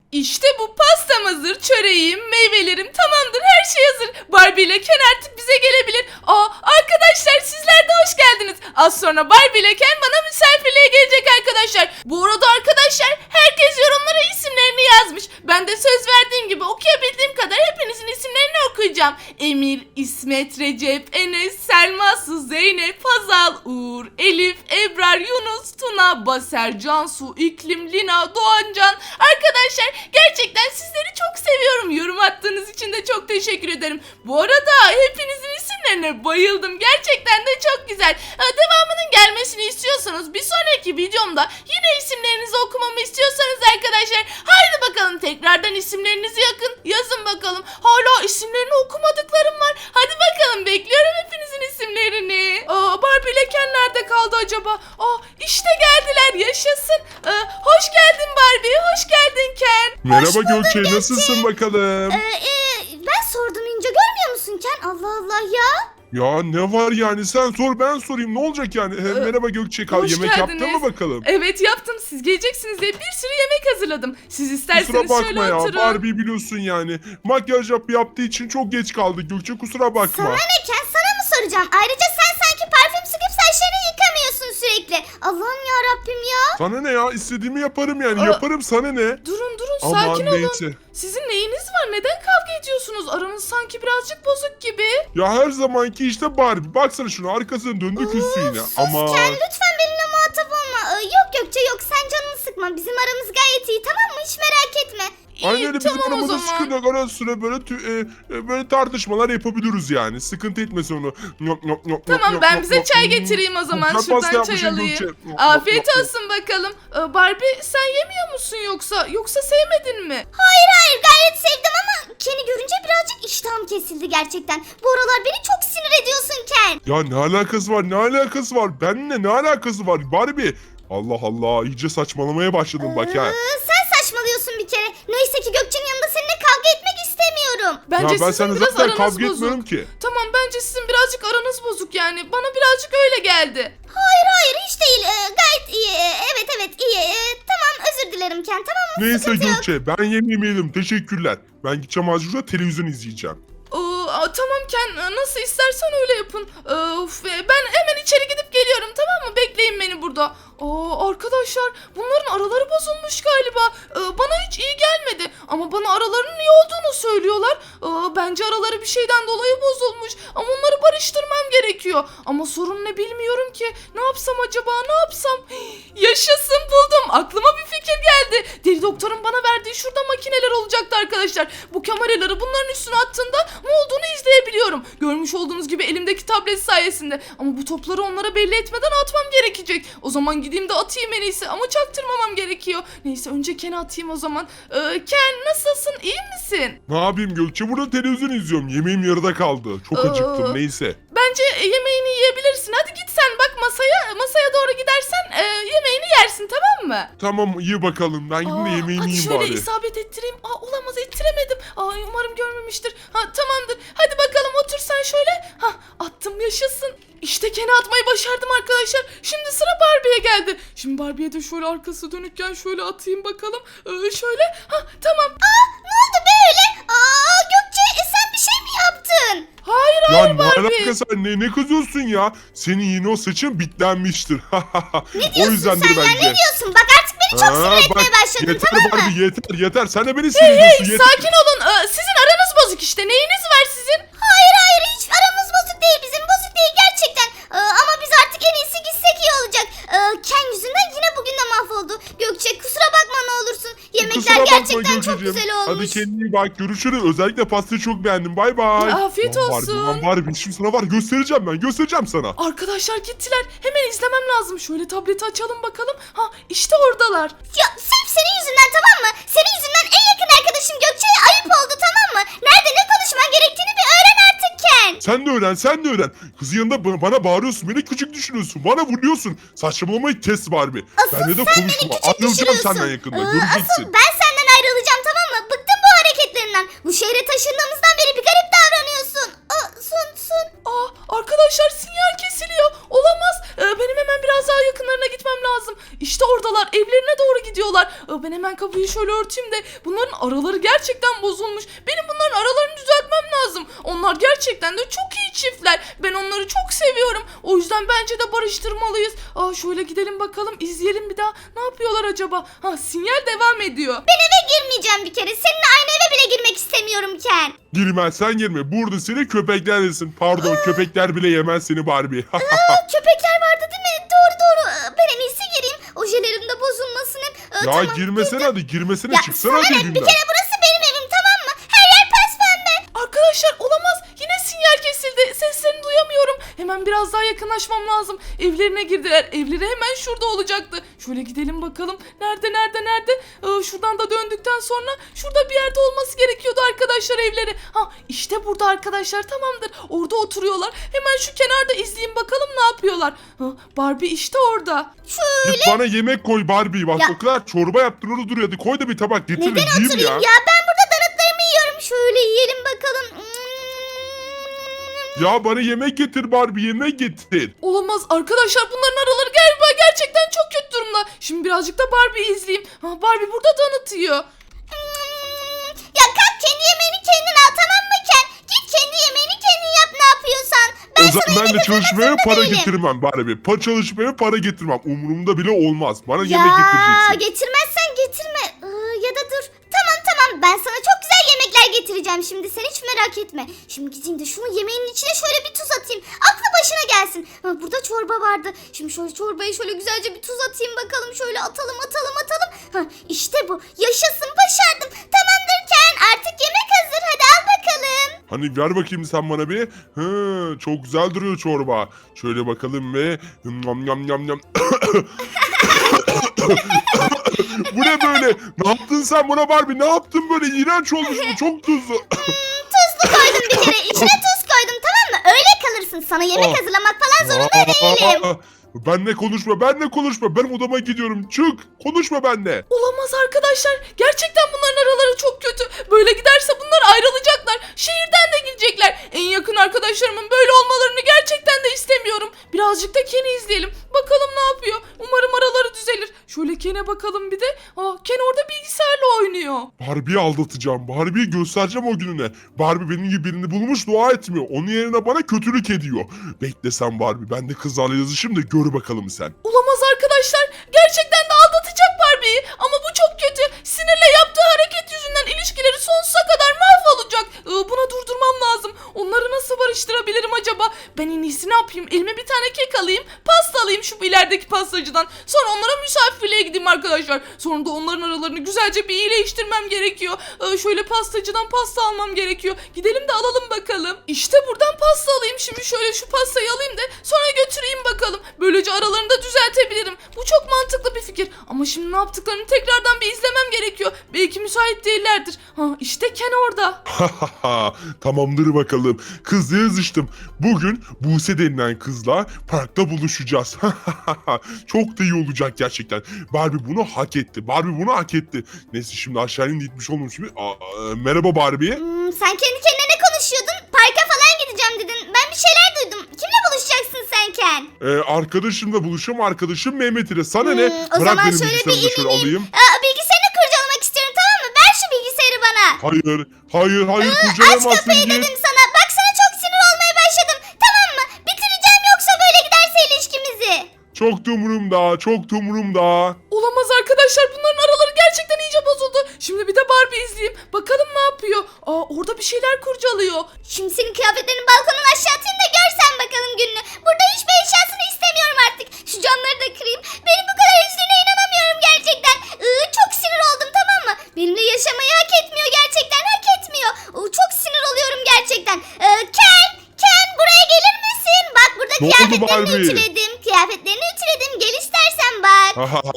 İşte bu pastam hazır, çöreğim, meyvelerim tamamdır, her şey hazır. Barbie ile Ken artık bize gelebilir. Arkadaşlar sizler de hoş geldiniz. Az sonra Barbie ile Ken bana misafirliğe gelecek arkadaşlar. Bu arada arkadaşlar herkes yorumlara isimlerini yazmış. Ben de söz verdiğim gibi okuyabildiğim kadar hepinizin isimlerini okuyacağım. Emir, İsmet, Recep, Enes, Selma, Su, Zeynep, Hazal, Uğur, Elif, Ebrar, Yunus, Tuna, Baser, Cansu, İklim, Lina, Doğancan. Arkadaşlar gerçekten sizleri çok seviyorum. Yorum attığınız için de çok teşekkür ederim. Bu arada hepinizin isimlerine bayıldım. Gerçekten de çok güzel. Devamının gelmesini istiyorsanız bir sonraki videomda yine isimlerinizi okumamı istiyorsanız arkadaşlar haydi bakalım tekrardan isimlerinizi yazın bakalım. Hala isimlerini okumadıklarım var. Hadi bakalım bekliyorum hepinizin isimlerini. Barbie ile Ken nerede kaldı acaba? İşte geldiler, yaşasın. Hoş geldin Barbie, hoş geldin Ken. Merhaba Gökçe, nasılsın bakalım? Ben sordum İnce, görmüyor musun Ken? Allah Allah ya. Ya ne var yani, sen sor ben sorayım, ne olacak yani? Merhaba Gökçe, hoş yemek yaptın geldiniz. mı bakalım? Evet yaptım, siz geleceksiniz diye bir sürü yemek hazırladım. Siz isterseniz Kusura şöyle bakma ya, oturun. Barbie biliyorsun yani. Makyaj yaptığı için çok geç kaldı Gökçe, kusura bakma. Sana ne Ken, sana mı soracağım? Ayrıca sen sanki parfüm sıkıp saçlarını yıkamıyorsun sürekli. Allah'ım ya Rabbim ya. Sana ne ya, istediğimi yaparım yani, yaparım, sana ne? Durun Aman sakin olun. neyse. Sizin neyiniz var? Neden kavga ediyorsunuz? Aranız sanki birazcık bozuk gibi. Ya her zamanki işte Barbie, baksana şunu, arkasını döndü küstü yine. Ama Ken lütfen benimle muhatap olma. Yok Gökçe yok, sen canını sıkma. Bizim aramız gayet iyi, tamam mı? Hiç merak etme. aynen öyle, bizim tamam o aramızda zaman. sıkıntı yok. Ara sıra böyle tartışmalar yapabiliriz yani. Sıkıntı etmesin onu. Tamam ben bize çay getireyim o zaman. Çok pasta Şuradan çay yapmışım alayım. Gökçe. Afiyet olsun bakalım. Barbie sen yemiyor musun yoksa sevmedin mi? Hayır gayet sevdim ama Ken'i görünce birazcık iştahım kesildi gerçekten. Bu aralar beni çok sinir ediyorsun Ken. Ya ne alakası var, ne alakası var? Benimle ne alakası var Barbie? Allah Allah, iyice saçmalamaya başladım bak ya. Sen saçmalıyorsun bir kere. Neyse ki Gökçe'nin yanında seninle kavga etmek istemiyorum. Bence Ya ben sizin seninle biraz zaten aranız kavga bozuk. etmiyorum ki. Tamam bence sizin birazcık aranız bozuk yani. Bana birazcık öyle geldi. Hayır hiç değil. Gayet iyi. Evet iyi. Tamam özür dilerim Ken, tamam mı? Neyse Sıkıntı yok. Gökçe, ben yemeğimi yedim, teşekkürler. Ben gideceğim azıcık şurada televizyon izleyeceğim. Tamam Ken nasıl istersen öyle yapın. Ben hemen içeri gidip geliyorum, tamam mı? Bekleyin beni burada. Arkadaşlar bunların araları bozulmuş galiba. Bana hiç iyi gelmedi. Ama bana aralarının iyi olduğunu söylüyorlar. Bence araları bir şeyden dolayı bozulmuş. Ama onları barıştırmam gerekiyor. Ama sorun ne bilmiyorum ki. Ne yapsam acaba, ne yapsam? Yaşasın, buldum. Aklıma bir fikir geldi. Deli doktorun bana verdiği şurada makineler olacaktı arkadaşlar. Bu kameraları bunların üstüne attığında ne olduğunu izleyebiliyorum. Görmüş olduğunuz gibi elimdeki tablet sayesinde. Ama bu topları onlara belli etmeden atmam gerekecek. O zaman gideyim de atayım en iyisi. Ama çaktırmamam gerekiyor. Neyse önce Ken'e atayım o zaman. Ken nasılsın? İyi misin? Ne yapayım Gökçe, burada televizyon izliyorum. Yemeğim yarıda kaldı. Çok acıktım, neyse. Bence yemeğini yiyebilirsin. Hadi git sen bak masaya doğru gidersen yemeğini yersin, tamam mı? Tamam, iyi bakalım. Ben gideyim de yemeğimi hadi yiyeyim şöyle bari. isabet ettireyim. Olamaz, ettiremedim. Umarım görmemiştir. Tamamdır. Hadi bakalım otur sen şöyle. Attım, yaşasın. İşte Ken'e atmayı başardım arkadaşlar. Şimdi sıra Barbie'ye geldi. Şimdi Barbie'ye de şöyle arkası dönükken şöyle atayım bakalım. Şöyle. Tamam. Ne oldu böyle? Gökçe sen bir şey mi yaptın? Hayır Ya ne Barbie. alakası var? Ne kızıyorsun ya? Senin yine o saçın bitlenmiştir. Ne O diyorsun yüzdendir sen ya, bence. ne diyorsun? Bak artık beni çok sinir etmeye başladın, yeter tamam mı? Barbie, yeter. Sen de beni sinir ediyorsun. Yeter. Sakin olun. Sizin aranız bozuk işte. Neyiniz var sizin? Hayır hiç aramız bozuk değil, bizim bozuk değil gerçekten. Ama biz artık en iyisi gitsek iyi olacak. Ken yüzünden yine bugün de mahvoldu. Gökçe kusura bakma ne olursun. Yemekler Kusura bakma gerçekten çok Gökçeciğim. güzel olmuş. Hadi kendine iyi bak, görüşürüz. Özellikle pastayı çok beğendim. Bay bay. Afiyet olsun. Lan Barbie, şimdi sana var, göstereceğim sana. Arkadaşlar gittiler. Hemen izlemem lazım. Şöyle tableti açalım bakalım. İşte oradalar. Ya sırf senin yüzünden, tamam mı? Senin yüzünden en yakın arkadaşım Gökçe'ye ayıp oldu, tamam mı? Nerede ne konuşman gerektiğini bir öğren artık Ken. Sen de öğren. Kızın yanında bana bağırıyorsun, beni küçük düşürüyorsun, bana vuruyorsun. Saçmalamayı kes Barbie. Asıl Benle de sen beni konuşma. küçük Ayrılacağım düşürüyorsun. senden yakında, Asıl göreceksin. ben senden ayrılacağım, tamam mı? Bıktım bu hareketlerinden. Bu şehre taşındığımızdan beri bir garip davranıyorsun. Sun. Arkadaşlar sinyal kesiliyor. Olamaz. Benim hemen biraz daha yakınlarına gitmem lazım. İşte oradalar. Evlerine doğru gidiyorlar. Ben hemen hemen kapıyı şöyle örteyim de bunların araları gerçekten bozulmuş. Benim bunların aralarını düzeltmem lazım. Onlar gerçekten de çok iyi çiftler. Ben onları çok seviyorum. O yüzden bence de barıştırmalıyız. Şöyle gidelim bakalım, izleyelim bir daha. Ne yapıyorlar acaba? Sinyal devam ediyor. Ben eve girmeyeceğim bir kere. Seninle aynı eve bile girmek istemiyorum Ken. Girmezsen girme. Burada seni köpekler yesin. Pardon, köpekler bile yemez seni Barbie. Köpekler vardı değil mi? Doğru. Ben en iyisi gireyim. Ojelerim de bozulmasın hep. Ya Tamam, girmesene girdim. hadi, girmesene, Ya çıksana sana hadi ne? Bir evimden. kere burası benim evim, tamam mı? Her yer pembe. Arkadaşlar olamaz. Yine sinyal kesildi. Seslerini duyamıyorum. Hemen biraz daha yakınlaşmam lazım. Evlerine girdiler. Evleri hemen şurada olacaktı. Şöyle gidelim bakalım. Nerede? Şuradan da döndükten sonra şurada bir yerde olması gerekiyordu arkadaşlar evleri. İşte burada arkadaşlar, tamamdır. Orada oturuyorlar. Hemen şu kenarda izleyeyim bakalım ne yapıyorlar. Barbie işte orada. Git bana yemek koy Barbie. Bak Ya. o kadar çorba yaptın, orada duruyor. Hadi koy da bir tabak getir. Neden yiyeyim oturayım ya. ya? Ben burada donutlarımı yiyorum. Şöyle yiyelim bakalım. Ya bana yemek getir Barbie, yemek getir. Olamaz arkadaşlar, bunların araları galiba gerçekten çok kötü durumda. Şimdi birazcık da Barbie'yi izleyeyim. Barbie burada tanıtıyor. Ya kalk, kendi yemeğini kendin al, tamam mı Ken? Git kendi yemeğini kendin yap, ne yapıyorsan. Ben O sana zaman ben de yemek çalışmaya hazırlamasını para değilim. getirmem Barbie. Çalışmaya para getirmem. Umurumda bile olmaz. Bana Ya yemek getireceksin. getirmezsen getirme. Ya da dur. Tamam, ben sana çok güzel yemekler getireceğim şimdi, sen hiç merak etme. Şimdi gideyim de şunu yemeğinin içine şöyle bir tuz atayım. Aklı başına gelsin. Burada çorba vardı. Şimdi şöyle çorbaya şöyle güzelce bir tuz atayım bakalım. Şöyle atalım. İşte bu. Yaşasın, başardım. Tamamdır Ken, artık yemek hazır. Hadi al bakalım. Hani ver bakayım sen bana bir. Çok güzel duruyor çorba. Şöyle bakalım ve yam. Bu ne böyle? Ne yaptın sen buna Barbie? Ne yaptın böyle? İğrenç olmuş bu. Çok tuzlu. Tuzlu koydum bir kere. İçine tuz koydum, tamam mı? Öyle kalırsın. Sana yemek hazırlamak falan zorunda değilim. Benle konuşma. Ben odama gidiyorum. Çık. Konuşma benle. Olamaz arkadaşlar. Gerçekten bunların araları çok kötü. Böyle giderse bunlar ayrılacaklar. Şehirden de gidecekler. En yakın arkadaşlarımın böyle olmalarını gerçekten de istemiyorum. Birazcık da Ken'i izleyelim. Bakalım ne yapıyor. Umarım araları düzelir. Şöyle Ken'e bakalım bir de. Ken orada bilgisayarla oynuyor. Barbie'yi aldatacağım. Barbie'yi göstereceğim o gününe. Barbie benim gibi birini bulmuş, dua etmiyor. Onun yerine bana kötülük ediyor. Bekle sen Barbie. Ben de kızlarla yazışayım da gör bakalım sen. Olamaz arkadaşlar. Gerçekten de aldatacak Barbie'yi. Ama bu çok kötü. Sinirle yaptığı hareket yüzünden ilişkileri sonsuza kadar mahvolacak. Buna durdurmam lazım. Onları nasıl barıştırabilirim acaba? Ben en iyisi ne yapayım? Elime bir tane kek alayım. Pasta alayım şu ilerideki pastacıdan. Sonra onlara misafirliğe gideyim arkadaşlar. Sonra da onların aralarını güzelce bir iyileştirmem gerekiyor. Şöyle pastacıdan pasta almam gerekiyor. Gidelim de alalım bakalım. İşte buradan pasta alayım. Şimdi şöyle şu pastayı alayım da sonra götüreyim bakalım. Böylece aralarını da düzeltebilirim. Bu çok mantıklı bir fikir. Ama şimdi ne yaptıklarını tekrardan bir izlemem gerekiyor. Belki müsait değillerdir. İşte Ken orada. Tamamdır bakalım. Kızla yazıştım. Bugün Buse denilen kızla parkta buluşacağız. Çok da iyi olacak gerçekten. Barbie bunu hak etti. Neyse şimdi aşağıya gitmiş olmuş gibi. Merhaba Barbie. Sen kendi kendine ne konuşuyordun? Parka falan gideceğim dedin. Ben bir şeyler duydum. Kimle buluşacaksın sen Ken? Arkadaşımla buluşacağım. Arkadaşım Mehmet ile. Sana ne? O Bırak zaman benim şöyle bilgisayarımı da bir şöyle alayım. Bilgisayarını kurcalamak istiyorum, tamam mı? Ver şu bilgisayarı bana. Hayır Aç kurcalamazsın kapıyı diye. dedim sana. Bak sana çok sinir olmaya başladım. Tamam mı? Bitireceğim yoksa böyle giderse ilişkimizi. Çok da umurumda. Olamaz arkadaşlar, bunların araları gerçekten iyice bozuldu. Şimdi bir de Barbie izleyeyim. Bakalım ne yapıyor. Orada bir şeyler kurcalıyor. Şimdi senin kıyafetlerini balkonun aşağı atayım da görsen bakalım gününü. Burada hiçbir eşyasını istemiyorum artık. Şu camları da kırayım. Benim bu kadar üzdüğüne inanamıyorum gerçekten. Çok sinir oldum, tamam mı? Benimle yaşamayı hak etmiyor gerçekten, hak etmiyor. Çok sinir oluyorum gerçekten. Ken buraya gelir misin? Bak burada Ne oldu kıyafetlerini Barbie? ütüledim. Gel istersen bak.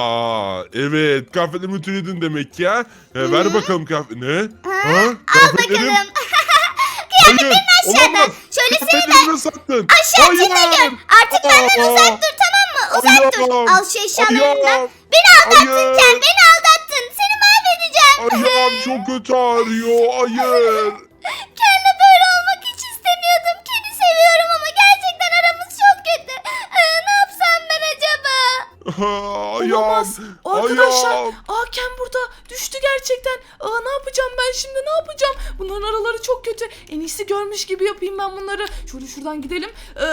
Evet, kıyafetlerimi ütüledin demek ya. Ver bakalım kıyafet. Ne? Al Kıyafetlerim? bakalım. Hayır, aşağıda. olamaz. Şöyle seni de Kıyafetlerimi sattın. aşağı gör. Artık benden uzak dur, tamam mı? Uzak dur. Ayağım. Al şu eşyalarından. Ayağım. Beni aldattın Hayır. Ken, beni aldattın. Seni mahvedeceğim. Ayağım çok kötü ağrıyor. Hayır. Ken'le böyle olmak hiç istemiyordum. Ken'i seviyorum ama gerçekten aramız çok kötü. Ne yapsam ben acaba? Olamaz. Ayağım. Arkadaşlar. Ayağım. Ken burada. gerçekten. Ne yapacağım ben şimdi, ne yapacağım? Bunların araları çok kötü. En iyisi görmüş gibi yapayım ben bunları. Şöyle şuradan gidelim.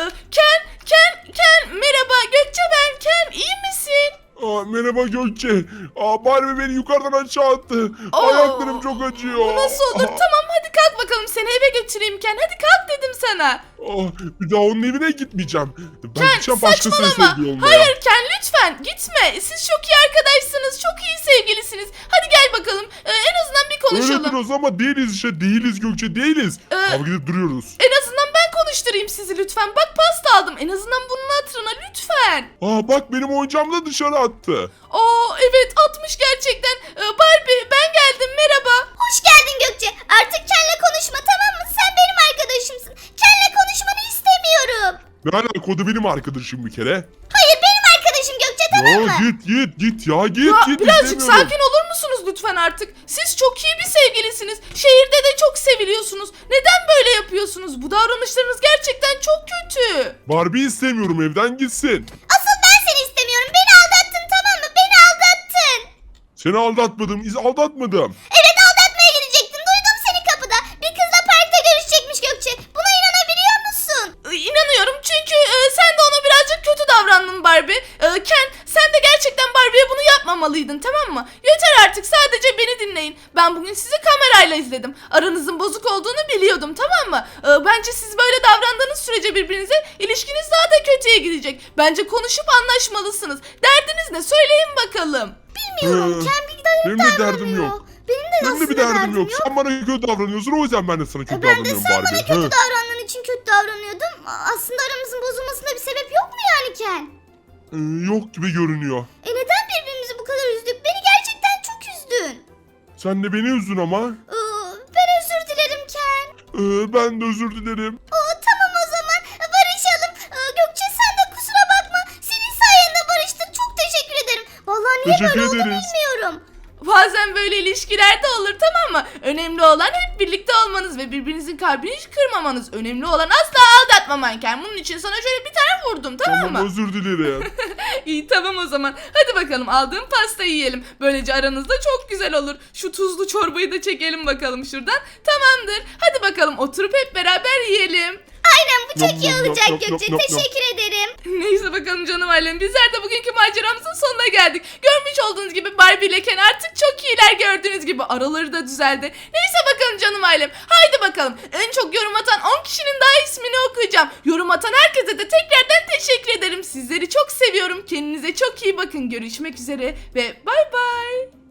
Ken merhaba, Gökçe ben. Ken, iyi misin? Merhaba Gökçe. Barbie beni yukarıdan aşağı attı. Oo, Ayaklarım çok acıyor. Bu nasıl olur? Tamam hadi kalk bakalım, seni eve götüreyim Ken. Hadi kalk dedim sana. Bir daha onun evine gitmeyeceğim. Ben Ken gideceğim başkasını saçmalama. sevdiği olmaya. Hayır Ken, lütfen gitme. Siz çok iyi arkadaşsınız. Çok iyi sevgilisiniz. Hadi gel bakalım. En azından bir konuşalım. Öyle diyoruz ama değiliz işte. Değiliz Gökçe, değiliz. Kavga edip duruyoruz. En azından ben konuşturayım sizi lütfen. Bak pasta aldım. En azından bunun hatırına lütfen. Bak benim oyuncağımı da dışarı attı. Evet atmış gerçekten. Barbie ben geldim, merhaba. Hoş geldin Gökçe. Artık Ken'le konuşma, tamam mı? Sen benim arkadaşımsın. Ken'le konuşmanı istemiyorum. Ne alaka, o da benim arkadaşım bir kere. Hayır, benim arkadaşım Gökçe, tamam mı? Git ya git Birazcık istemiyorum. sakin olur musunuz lütfen artık? Siz çok iyi bir sevgilisiniz. Şehirde de çok seviliyorsunuz. Neden böyle yapıyorsunuz? Bu davranışlarınız gerçekten çok kötü. Barbie istemiyorum, evden gitsin. Asıl ben seni istemiyorum. Beni aldattın, tamam mı? Beni aldattın. Seni aldatmadım. Evet, aldatmaya gidecektin. Duydum seni kapıda. Bir kızla parkta görüşecekmiş Gökçe. Buna inanabiliyor musun? İnanıyorum çünkü sen de ona birazcık kötü davrandın Barbie. Ken, sen de gerçekten Barbie'ye bunu yapmamalıydın, tamam mı? Yeter artık, sadece beni dinleyin. Ben bugün sizi kamerayla izledim. Aranızın bozuk olduğunu biliyordum, tamam mı? Bence siz böyle davrandığınız sürece birbirinize ilişkiniz daha da kötüye gidecek. Bence konuşup anlaşmalısınız. Derdiniz ne? Söyleyin bakalım. Bilmiyorum. Ken bir Benim de derdim yok. Benim de Benim aslında de bir derdim yok. Sen bana kötü davranıyorsun, o yüzden ben de sana kötü Ben de davranıyorum sen bana Barbie. kötü davrandığın için kötü davranıyordum. Aslında aramızın bozulmasında bir sebep yok mu yani Ken? Yok gibi görünüyor. Neden birbirimizi bu kadar üzdük? Beni gerçekten çok üzdün. Sen de beni üzdün ama. Ben özür dilerim Ken. Ben de özür dilerim. Tamam o zaman barışalım. Gökçe sen de kusura bakma. Senin sayende barıştık. Çok teşekkür ederim. Vallahi niye Teşekkür böyle oldu ederiz. bilmiyorum. Bazen böyle ilişkilerde olur, tamam mı? Önemli olan hep birlikte olmanız ve birbirinizin kalbini hiç kırmamanız. Önemli olan asla aldatmamanken. Bunun için sana şöyle bir tane vurdum, tamam mı? Özür dilerim. İyi tamam o zaman. Hadi bakalım aldığım pastayı yiyelim. Böylece aranızda çok güzel olur. Şu tuzlu çorbayı da çekelim bakalım şuradan. Tamamdır. Hadi bakalım oturup hep beraber yiyelim. Aynen, bu çok Nom, iyi nom, nom, olacak nom, Gökçe. nom, nom. Teşekkür ederim. Neyse bakalım canım ailem. Bizler de bugünkü maceramızın sonuna geldik. Görmüş olduğunuz gibi Barbie ile Ken artık çok iyiler, gördüğünüz gibi. Araları da düzeldi. Neyse bakalım canım ailem. Haydi bakalım. En çok yorum atan 10 kişinin daha ismini okuyacağım. Yorum atan herkese de tekrardan teşekkür ederim. Sizleri çok seviyorum. Kendinize çok iyi bakın. Görüşmek üzere ve bay bay.